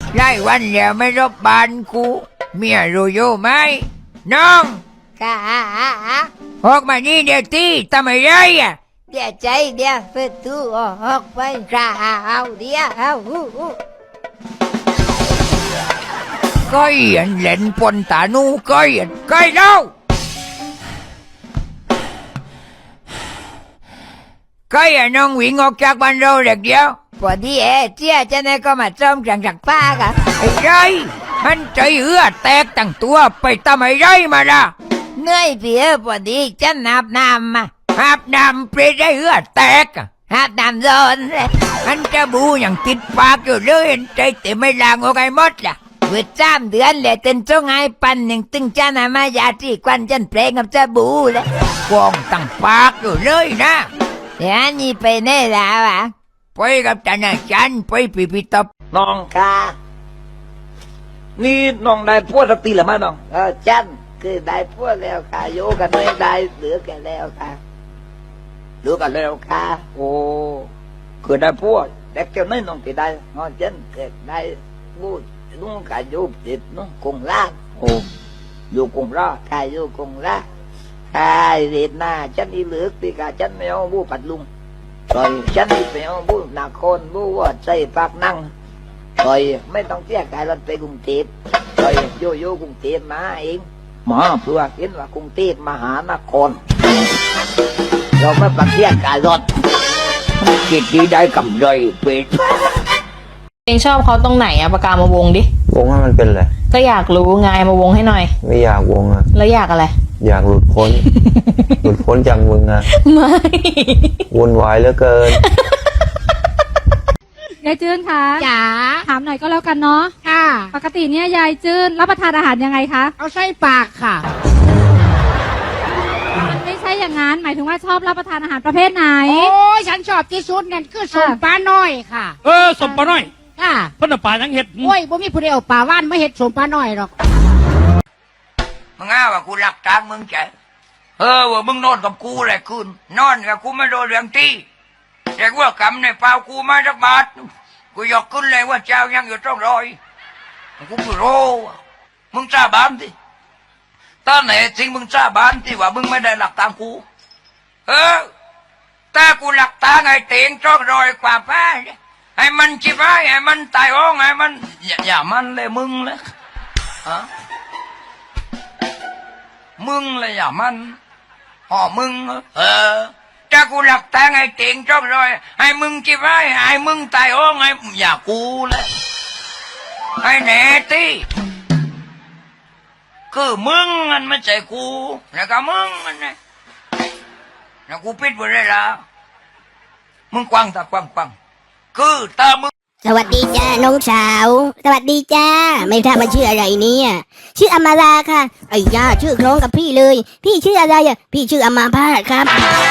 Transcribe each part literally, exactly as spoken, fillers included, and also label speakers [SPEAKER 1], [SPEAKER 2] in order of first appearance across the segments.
[SPEAKER 1] ไล่วันเดียวไม่รบบ้านกูเมียรู้อยู่ไหมน้อง
[SPEAKER 2] ค่ะ
[SPEAKER 1] ออกมานี่เดี๋ยวตีทำไมไรอ่ะ
[SPEAKER 2] เดี๋ยวใจเดี๋ยวเปิดตู้ออกไปค่ะเอาเดี๋ยวเอาอู้อู้
[SPEAKER 1] ก้อยอันเล่นปนตานูก้อยอันก้อยเล่าก้อยอันน้องวิ่งออกจากบ้านเราเด็กเดียว
[SPEAKER 2] พอดีเอเจ้าจะได้ก็มาจอมจังจังป้าค่ะ
[SPEAKER 1] ไอ้ไรมันใจเหือแตกตั้งตัวไปทำไมไรมาล่ะ
[SPEAKER 2] เหนื่อยเพียพอดีจะนับน้ำมา
[SPEAKER 1] อาบน้ำเปรตได้เหือแตกอะ
[SPEAKER 2] อาบน้ำร้อนเลย
[SPEAKER 1] มันจะบูอย่างติดปากอยู่เลยใจแต่ไม่ล้างออกไอ้มดล่ะ
[SPEAKER 2] เวทสามเดือนเลยเต็นจงไห้ปันหนึ่งตึงจ้านามายาที่ควันจันเพลงกับจะบูเลย
[SPEAKER 1] กองตั้งปากอยู่เลยนะ
[SPEAKER 2] เดี๋ยวนี่ไปไหนแล้วอ่ะ
[SPEAKER 1] ไปกับท่านอาจารย์ไปพิพิธภัณฑ์
[SPEAKER 3] น้อง
[SPEAKER 2] ค่ะ
[SPEAKER 3] นี่น้องได้พวดสักทีหรือไม่น้อง
[SPEAKER 2] เออจันคือได้พวกแล้วค่ะโยกันไม่ได้เหลือแกันแล้วค่ะรู้กันแล้วค่ะ
[SPEAKER 3] โอ้คือได้พวดเด็กเจ้านี่น้องที่ได้
[SPEAKER 2] งอจันเกิดได้บูดนุ่งกายูติดนุ่งคงล่าง
[SPEAKER 3] โอ้อยู่กรุงราช
[SPEAKER 2] กายูคงล่างกายเรียนหน้าจันอีเหลือกตีกาจันไม่เอาบูปัดลุงต่อยจันอีไม่เอาบูนาคนบูว่าใจปากนั่งต่อยไม่ต้องเสียกายรถไปกรุงเทพต่อยโยโย่กรุงเทพมาเอง
[SPEAKER 3] หมา
[SPEAKER 2] เพื่อเห็นว่ากรุงเทพมหานคร เราไม่ปักเสียกายรถ
[SPEAKER 1] คิดดีได้กำไรเป็ด
[SPEAKER 4] เองชอบเขาตรงไหนอะปากกามาวงดิ
[SPEAKER 5] วงให้มันเป็นอะไร
[SPEAKER 4] ก็อยากรู้ไงมาวงให้หน่อย
[SPEAKER 5] ไม่อยากวงอ่ะ
[SPEAKER 4] แล้วอยากอะไร
[SPEAKER 5] อยากหลุดพ้น หลุดพ้นจากมึงอ่ะ
[SPEAKER 4] ไม่
[SPEAKER 5] วุ่นวายเหลือเกิน
[SPEAKER 6] ยายจื้นคะ
[SPEAKER 2] จ๋า
[SPEAKER 6] ถามหน่อยก็แล้วกันเนาะ
[SPEAKER 2] ค่ะ
[SPEAKER 6] ปกติเนี่ยยายจื้นรับประทานอาหารยังไงคะ
[SPEAKER 2] เอาใส่ปากค่ะ
[SPEAKER 6] มันไม่ใช่อย่างนั้นหมายถึงว่าชอบรับประทานอาหารประเภทไหน
[SPEAKER 7] โอ้ยฉันชอบที่สุดนั่นคือส่วนปลาน้อยค่ะ
[SPEAKER 8] เออสมปลาน้อย
[SPEAKER 7] ค่ะ
[SPEAKER 8] เพิ่นเอาปลายังเห็ด
[SPEAKER 7] โอ้ยบ่มีผู้ใดเอาปลาว่านมาเห็ดส่วนปลาน้อยหรอก
[SPEAKER 1] มึงอ้าว่ากูหลักทางมึงใจเออว่ามึงนอนกับกูแหละคืนนอนกับกูไม่โดนเรื่องที่แต่ว่ากำในเปล่ากูมาสักบาทกูยกขึ้นเลยว่าเจ้ายังอยู่ต้องรอยกูไม่รู้มึงจ้าบานที่ตอนไหนจริงมึงจ้าบานที่ว่ามึงไม่ได้หลักทางกูเออแต่กูหลักทางไอ้เตียงจ้องรอยกว่าป้าให้มันจิบไว้ให้มันตายอ้องให้มันอย่าอย่ามันเลยมึงเลยฮะมึงเลยอย่ามันอ๋อมึงเออถ้ากูหลักทางไอ้เตียงจ้องรอยให้มึงจิบไว้ให้มึงตายอ้องให้อย่ากูเลยให้แน่ที่คือมึงมันไม่ใช่กูแล้วก็มึงมันนะแล้วกูปิดหมดเลยละมึงกว้างตากว้างกว้างคือตามึง
[SPEAKER 9] สวัสดีจ้าน้องสาว สวัสดีจ้า ไม่ทราบว่าชื่ออะไรเนี่ยชื่ออมาราค่ะไอ้ย่าชื่อคล้องกับพี่เลย พี่ชื่ออะไรอ่ะพี่ชื่ออมาพาสครับ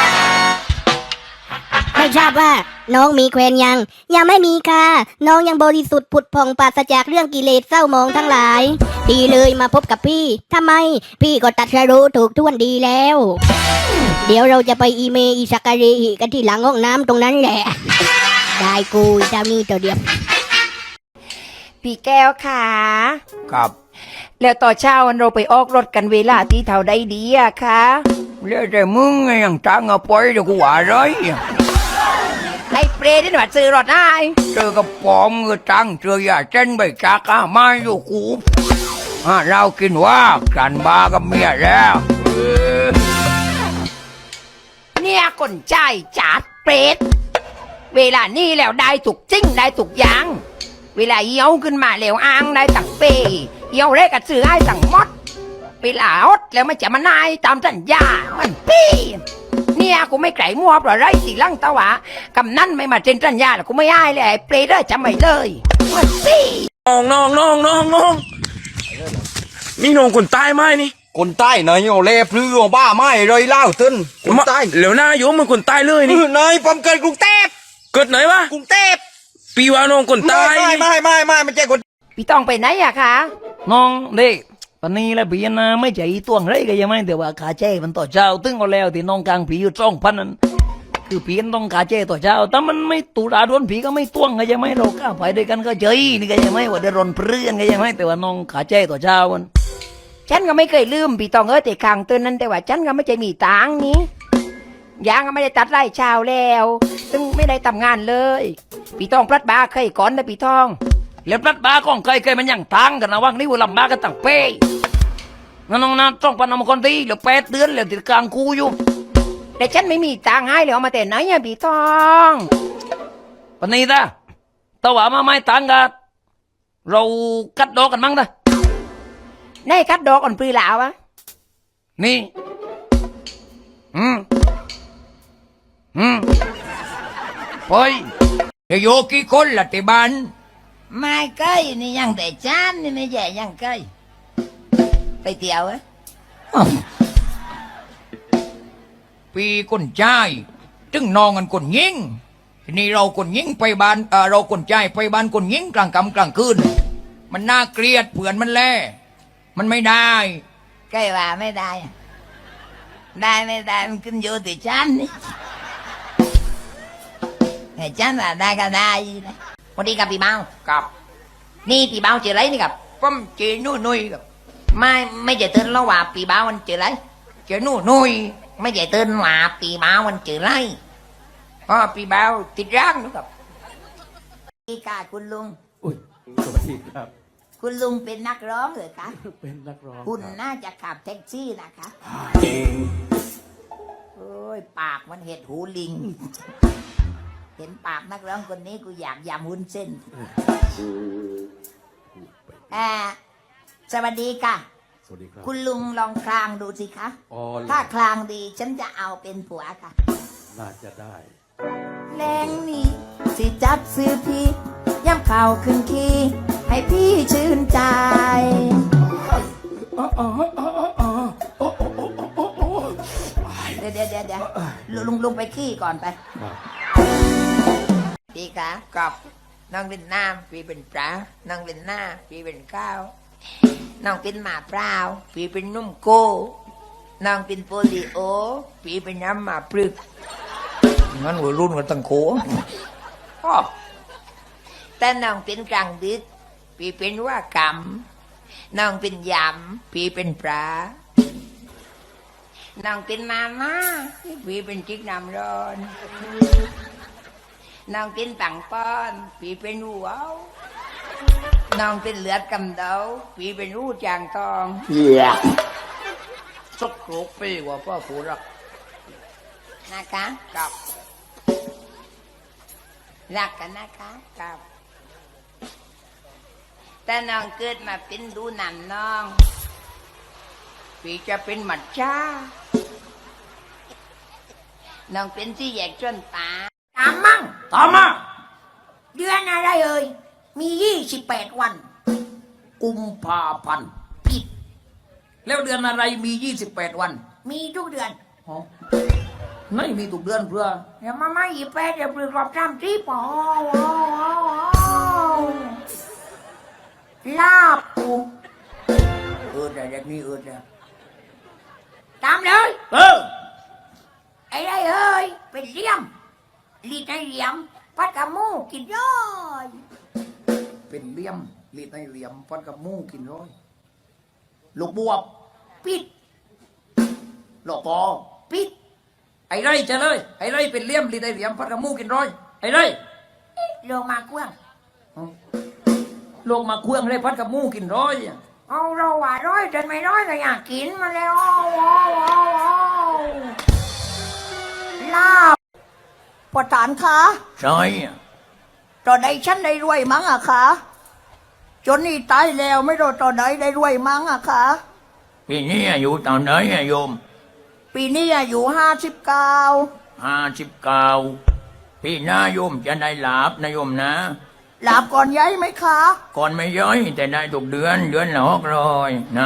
[SPEAKER 9] ไม่ทราบว่าน้องมีแควนยังยังไม่มีค่ะ น้องยังบริสุทธิ์ผุดผ่องปราศจากเรื่องกิเลสเศร้าหมองทั้งหลายดีเลยมาพบกับพี่ทำไม พี่ก็ตัดสรู้ถูกท่วนดีแล้ว เดี๋ยวเราจะไปอีเมอีสักการีกันที่หลังห้องน้ำตรงนั้นแหละ ได้กูเจ้านี่ตัวเดียว
[SPEAKER 2] พี่แก้วค่ะ
[SPEAKER 1] ครับ
[SPEAKER 2] แล้วต่อเช้าวันเราไปออกรถกันเวลาที่เท่าใดดีอะคะ
[SPEAKER 1] เรื่องแต่มึงไงยังจ้างเอาไปเดี๋ยวกูว่าไรอ่ะ
[SPEAKER 2] ไอ้เปรตนี่หนูซื้อรถได้
[SPEAKER 1] เจอกับปอมเงือจังเจอยาเช่นใบจากอ่ะมาอยู่กูอ่ะเรากินว่ากันบากับเมียแล้วเออ
[SPEAKER 2] เนี่ยคนใจจัดเปรตเวลานี้แล้วได้ถูกจริงได้ถูกอยังเวลาเยี่ยวขึ้นมาแล้วอ้างได้ตั้งเปเยี่ยวเรกกับซื้อให้ตั้งมดเวลาอดแล้วมันจะมานายตามสัญญามันปีเนี่ยกูไม่ไก่มัวเพราะไรสิลังตะวะกำนั่นไม่มาเซ็นสัญญาแล้วกูไม่ให้เลยไอ้เปรตเด้อจำไม่เลยมันปี
[SPEAKER 8] น้องน้องน้องน้องน้องนี่น้องคนใต้ไหมนี่
[SPEAKER 5] คนใต้นายโอเล่พลือบ้าไม่เลยเล่าตึ้นคนใต้
[SPEAKER 8] เหลวหน้าโยมมันคนใต้เลยนี่
[SPEAKER 5] นายผมเกิดกรุงเทพ
[SPEAKER 8] เกิดไหนวะ
[SPEAKER 5] กรุงเทพ
[SPEAKER 8] ปีว่าน้องคนใต้
[SPEAKER 5] ไม่ไม่ไม่ไม่ไม่ใช่คน
[SPEAKER 2] พี่ต้องไปไหนอะคะ
[SPEAKER 1] น้องเด็กตอนนี้แล้วพี่นะไม่ใจตัวงไรก็ยังไม่แต่ว่าขาแจ้มันต่อเจ้าตึงก็แล้วที่น้องกลางผีอยู่จ้องพันนั้น
[SPEAKER 2] คือผีมันต้องกาเจตัวเจ้าแต่มันไม่ตุลาดวนผีก็ไม่ต้วงไงยังไม่เราก้าไปด้วยกันก็เจยนี่ก็ยังไม่ว่าเดือดร้อนเพื่อนก็ยังไม่แต่ว่าน้องกาเจตัวเจ้ามันฉันก็ไม่เคยลืมพี่ตองเอ้ยแต่ข้างเตือนนั้นแต่ว่าฉันก็ไม่ใจมีตังค์นี้ยางก็ไม่ได้ตัดไร่ชาวแล้วซึ่งไม่ได้ทำงานเลยพี่ตองพลัดบาเคยก่อนนะพี่ตองแล้วพลัดบาของเคยเคยมันยังตังกันนะว่างนี่ว่าลำบากกันตั้งเป้น้องๆนะต้องปนมคนที่เหลือแปดเดือนแล้วติดกลางกูอยู่แต่ฉันไม่มีตังค์ให้เลยเอามาแต่ไหนอะพี่ตองปนี้ตาตะว่ามาไม่ตังกันเรากัดดอกกันมั้งตาในกัดดอกกันปรีหลาวะนี่อืมอืมไปเดี๋ยวโยกี่คนละที่บ้านไม่เคยนี่ยังแต่จานนี่ไม่ใช่ยังเคยไปเที่ยวอะปีคนใจจึงนองกันคนยิงทีนี้เราคนยิงไปบ้านเออเราคนใจไปบ้านคนยิงกลางค่ำกลางคืนมันน่าเกลียดเผื่อนมันแล่มันไม่ได้ใกล้ว่าไม่ได้ได้ไม่ได้มันขึ้นอยู่ที่ฉันนี่แต่ฉันว่าได้ก็ได้นะวันนี้กับพี่เมากับนี่พี่เมาเจออะไรนี่กับผมเจอนุ่ยนุ่ยกับไม่ไม่เจอเตือนแล้วว่าพี่เมามันเจออะไรเจอนุ่ยนุ่ยไม่เจอเตือนว่าพี่เมามันเจออะไรเพราะพี่เมาติดร่างนะครับพี่กาคุณลุง
[SPEAKER 8] อุ้ยสวัสดีครับ
[SPEAKER 2] คุณลุงเป็นนักร้องเหรอคะ
[SPEAKER 8] เป็นนักร้อง
[SPEAKER 2] คุณน่าจะขับแท็กซี่นะคะโอ้ยปากมันเห็ดหูลิง เห็นปากนักร้องคนนี้กูอยากยำวุ้นเส้นอ่าสวัสดีค่ะ
[SPEAKER 8] สวัสดีครับ
[SPEAKER 2] คุณลุงลองคลางดูสิคะ
[SPEAKER 8] อ๋อ
[SPEAKER 2] ถ้าคลางดีฉันจะเอาเป็นผัวค่ะ
[SPEAKER 8] น่าจะได้
[SPEAKER 2] แรงนี้สิจับซื้อพี่ย่ำเข่าขึ้นขี้ให้พี่ชื่นใจเดี๋ยวเดี๋ยวเดี๋ยวเดี๋ยวลุงลุงไปขี้ก่อนไปพี่คะกับน้องเป็นน้ำพี่เป็นปลาน้องเป็นหน้าพี่เป็นข้าวน้องเป็นหมาเปล่าพี่เป็นนุ่มโก้น้องเป็นโปลิโอพี่เป็นน้ำหมาปลึกงั้นวัยรุ่นกันตั้งโขอ้อแต่น้องเป็นกลางดึกพี่เป็นว่ากำน้องเป็นยำพี่เป็นปลาน้องเป็นมาม่าพี่เป็นจิกน้ำร้อนน้องเป็นปังป้อนพี่เป็นหัวน้องเป็นเลือดกำเดาพี่เป็นรูจางทองเหี้ยสกปรกไปกว่าพ่อผูรักนะคะกับรักกันนะคะกับแต่น้องเกิดมาเป็นดูหนำน้องพี่จะเป็นหมัดช้าน้องเป็นที่แยกจนตาตามมั่ง
[SPEAKER 8] ตามมา
[SPEAKER 2] เดือนอะไรเอ่ยมียี่สิบแปดวัน
[SPEAKER 8] กุมภาพันธ์
[SPEAKER 2] ผิด
[SPEAKER 8] แล้วเดือนอะไรมียี่สิบแปดวัน
[SPEAKER 2] มีทุกเดือน
[SPEAKER 8] อ๋อไม่มีทุกเดือนเพื่อ
[SPEAKER 2] เดี๋ยวมาไม่ยี่แปดเดี๋ยวปลือกรอบจำที่ปอลาบปู
[SPEAKER 8] เออแต่อย่างนี้เออแต่
[SPEAKER 2] ตามเลย
[SPEAKER 8] เออ
[SPEAKER 2] ไอ้ไรเอ้ยเป็นเหลี่ยมลีดในเหลี่ยมพัดกับหมูกินย่อย
[SPEAKER 8] เป็นเหลี่ยมลีดในเหลี่ยมฟันกับมูกินร้อยลูกบวบ
[SPEAKER 2] ปิด
[SPEAKER 8] หลอกปอ
[SPEAKER 2] ปิด
[SPEAKER 8] ไอ้ไรจะเลยไอ้ไรเป็นเหลี่ยมลีดในเหลี่ยมฟันกับมูกินร้อยไอ้ไร
[SPEAKER 2] ลงมากว้าง
[SPEAKER 8] ลงมาเครื่องเลยพัดกับมูกินร้อย
[SPEAKER 2] เอาเราว่าร้อยจนไม่ร้อยก็อยากกินมาแล้วอ้าวอ้าวอ้าวอ้าวลาบประธานคะ
[SPEAKER 8] ใช่
[SPEAKER 2] ตอนใดฉันได้รวยมั้งอะคะจนนี่ตายแล้วไม่รู้ตอนไหนได้รวยมั้งอะคะ
[SPEAKER 8] ปีนี้อายุตอนไหนอะโยม
[SPEAKER 2] ปีนี้อายุห้าสิบเก้า
[SPEAKER 8] ห้าสิบเก้าพี่หน้าโยมจะได้หลาบนะโยมนะ
[SPEAKER 2] หลาบก่อนย้ายไหมคะ
[SPEAKER 8] ก่อนไม่ย้อยแต่ได้ทุกเดือนเดือนละหกร้อยนะ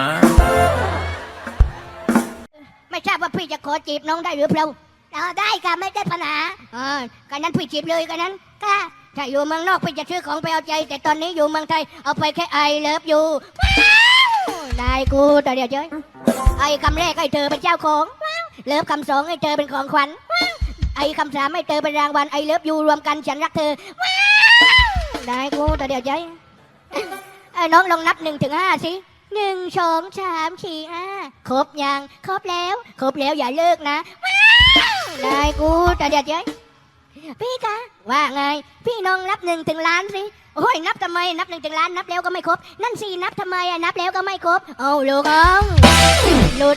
[SPEAKER 9] ไม่ทราบว่าพี่จะขอจีบน้องได้หรือเปล่าเออได้ค่ะไม่ได้ปัญหาเออกันนั้นพี่จีบเลยกันนั้นค่ะถ้าอยู่เมืองนอกพี่จะซื้อของไปเอาใจ แต่ตอนนี้อยู่เมืองไทยเอาไปแค่ไอเลิฟอยู่ได้กูแต่เดี๋ยวเจ้ยไอคำแรกให้เธอเป็นเจ้าของเลิฟคำสองให้เธอเป็นของขวัญไอ้คำสามไม่เจอเป็นรางวัลไอเลิฟยูรวมกันฉันรักเธอว้าวได้กูแต่เดี๋ยวใจไอ้น้องลองนับหนึ่งถึงห้าสิหนึ่งสองสามสี่ห้าครบยังครบแล้วครบแล้วอย่าเลิกนะว้าวได้กูแต่เดี๋ยวใจพี่คะว่าไงพี่น้องนับหนึ่งถึงล้านสิโอ้ยนับทำไมนับหนึ่งถึงล้านนับแล้วก็ไม่ครบนั่นสินับทำไมอะนับแล้วก็ไม่ครบเอาลูกเอาลูก